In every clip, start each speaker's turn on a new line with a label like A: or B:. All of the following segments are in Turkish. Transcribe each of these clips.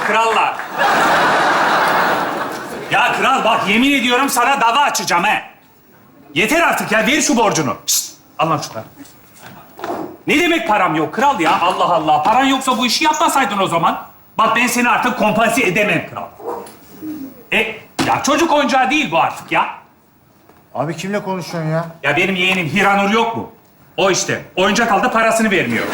A: kralla. Ya kral bak yemin ediyorum sana dava açacağım he. Yeter artık ya, ver şu borcunu. Şişt, al lan şunları. Ne demek param yok kral ya? Allah Allah. Paran yoksa bu işi yapmasaydın o zaman. Bak ben seni artık kompanse edemem kral. Ya çocuk oyuncağı değil bu artık ya.
B: Abi kimle konuşuyorsun ya?
A: Ya benim yeğenim Hiranur yok mu? O işte. Oyuncak aldı, parasını vermiyor.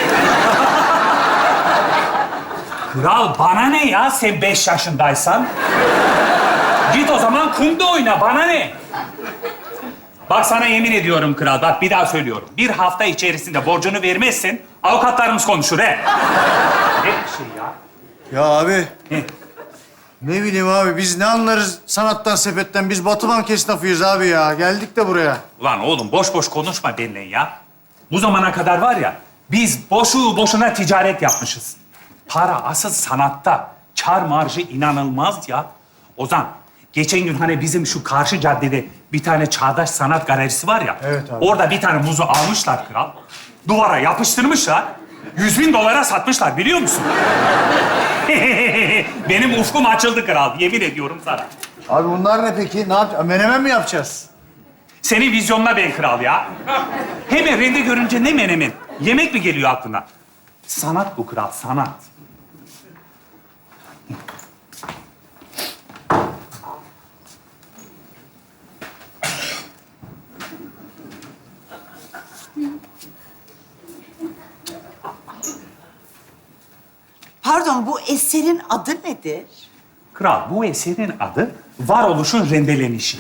A: Kral bana ne ya sen 5 yaşındaysan? Git o zaman kumda oyna, bana ne? Bak sana yemin ediyorum kral, bak bir daha söylüyorum. Bir hafta içerisinde borcunu vermezsen avukatlarımız konuşur he. Ne bir şey ya?
B: Ya abi,
A: He.
B: ne bileyim abi biz ne anlarız sanattan, sepetten. Biz Batı Bank esnafıyız abi ya. Geldik de buraya.
A: Ulan oğlum boş boş konuşma benimle ya. Bu zamana kadar var ya, biz boşu boşuna ticaret yapmışız. Para asıl sanatta. Kar marjı inanılmaz ya. Ozan, geçen gün hani bizim şu karşı caddede bir tane çağdaş sanat galerisi var ya.
B: Evet abi.
A: Orada bir tane muzu almışlar kral. Duvara yapıştırmışlar. 100.000 dolara satmışlar biliyor musun? Benim ufkum açıldı kral, yemin ediyorum sana.
B: Abi bunlar ne peki? Ne yapacağız? Menemen mi yapacağız?
A: Senin vizyonuna ben kral ya. Hemen rende görünce ne menemen? Yemek mi geliyor aklına? Sanat bu kral, sanat.
C: Pardon, bu eserin adı nedir?
A: Kral, bu eserin adı varoluşun rendelenişi.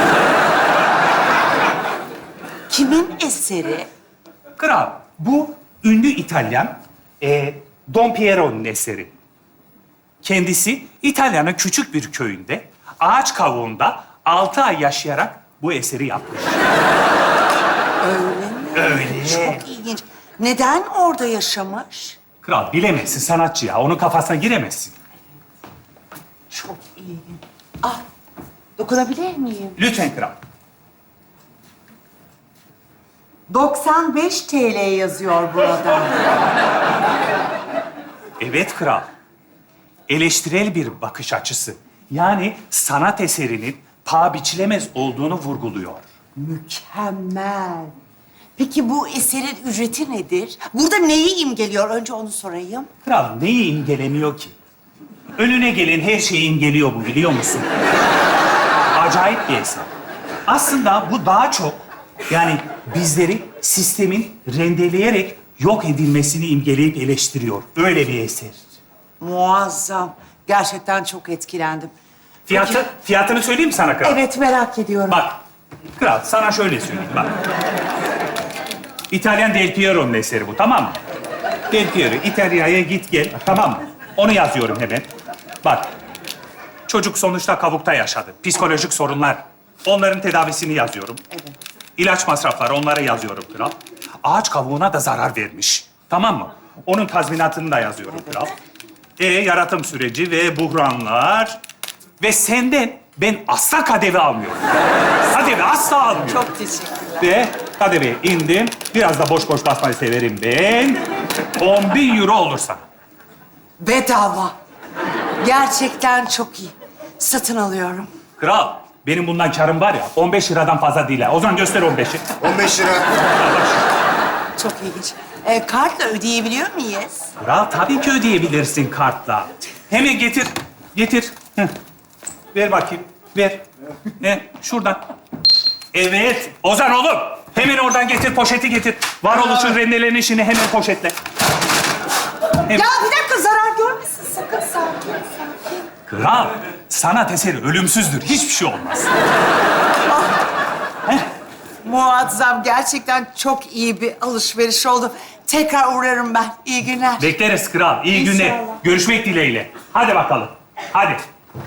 C: Kimin eseri?
A: Kral, bu ünlü İtalyan Don Piero'nun eseri. Kendisi İtalya'nın küçük bir köyünde ağaç kavuğunda 6 ay yaşayarak bu eseri yapmış.
C: Öyle mi?
A: Öyle.
C: Çok ilginç. Neden orada yaşamış?
A: Kral bilemezsin sanatçı ya. Onun kafasına giremezsin.
C: Çok ilginç. Ah, dokunabilir miyim?
A: Lütfen kral.
C: 95 TL yazıyor burada.
A: Evet kral. Eleştirel bir bakış açısı. Yani sanat eserinin paha biçilemez olduğunu vurguluyor.
C: Mükemmel. Peki bu eserin ücreti nedir? Burada neyi imgeliyor? Önce onu sorayım.
A: Kral neyi imgelemiyor ki? Önüne gelen her şeyi imgeliyor bu, biliyor musun? Acayip bir eser. Aslında bu daha çok yani bizleri sistemin rendeleyerek yok edilmesini imgeleyip eleştiriyor. Öyle bir eser.
C: Muazzam. Gerçekten çok etkilendim.
A: Fiyatını söyleyeyim mi sana kral?
C: Evet, merak ediyorum.
A: Bak, kral sana şöyle söyleyeyim bak. İtalyan Del Piero'nun eseri bu, tamam mı? Del Piero, İtalya'ya git gel, tamam mı? Onu yazıyorum hemen. Bak, çocuk sonuçta kavukta yaşadı. Psikolojik sorunlar. Onların tedavisini yazıyorum.
C: Evet.
A: İlaç masrafları, onlara yazıyorum kral. Ağaç kavuğuna da zarar vermiş. Tamam mı? Onun tazminatını da yazıyorum kral. Yaratım süreci ve buhranlar. Ve senden ben asla KDV almıyorum. KDV asla almıyorum.
C: Çok teşekkürler.
A: Ve KDV'ye indim. Biraz da boş boş basmayı severim ben. 10.000 euro olursa.
C: Bedava. Gerçekten çok iyi. Satın alıyorum.
A: Kral, benim bundan karım var ya, 15 liradan fazla değil ha. O zaman göster 15'i.
B: 15 lira.
C: Çok ilginç. Kartla ödeyebiliyor muyuz?
A: Kral, tabii ki ödeyebilirsin kartla. Hemen getir, getir. Heh. Ver bakayım, ver. Şuradan. Evet, Ozan oğlum. Hemen oradan getir, poşeti getir. Varoluşun rendelenişini hemen poşetle. Hemen.
C: Ya bir dakika, zarar görmesin sakın. Sakin, sakin.
A: Kral, sanat eseri ölümsüzdür. Hiçbir şey olmaz.
C: Muazzam. Gerçekten çok iyi bir alışveriş oldu. Tekrar uğrarım ben. İyi günler.
A: Bekleriz kral. İyi günler.
C: İnşallah.
A: Görüşmek dileğiyle. Hadi bakalım. Hadi.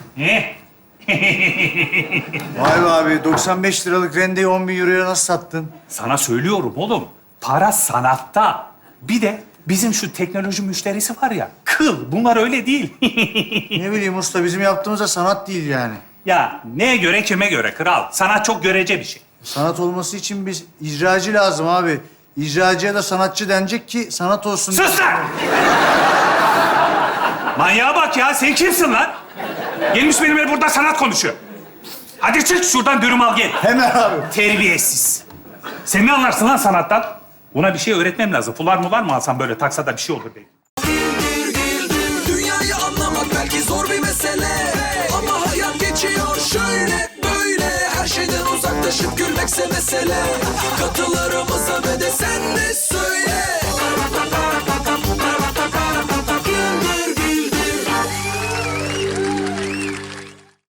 B: Vay be abi 95 liralık rendeyi 10.000 euroya nasıl sattın?
A: Sana söylüyorum oğlum. Para sanatta. Bir de bizim şu teknoloji müşterisi var ya. Kıl. Bunlar öyle değil.
B: Ne bileyim usta bizim yaptığımız da sanat değil yani.
A: Ya neye göre kime göre kral? Sanat çok görece bir şey.
B: Sanat olması için biz icracı lazım abi. İcracıya da sanatçı denecek ki sanat olsun.
A: Sus lan! Manyağa bak ya. Sen kimsin lan? Gelmiş benimle burada sanat konuşuyor. Hadi çık şuradan dürüm al gel.
B: Hemen abi.
A: Terbiyesiz. Sen ne anlarsın lan sanattan? Buna bir şey öğretmem lazım. Fular mular mı alsam böyle taksa da bir şey olur belki.
D: Dünyayı anlamak belki zor bir mesele, ama hayat geçiyor şöyle böyle. Her şeyden uzaklaşıp gülmekse mesele. Katılarımıza ve de sen de söyle.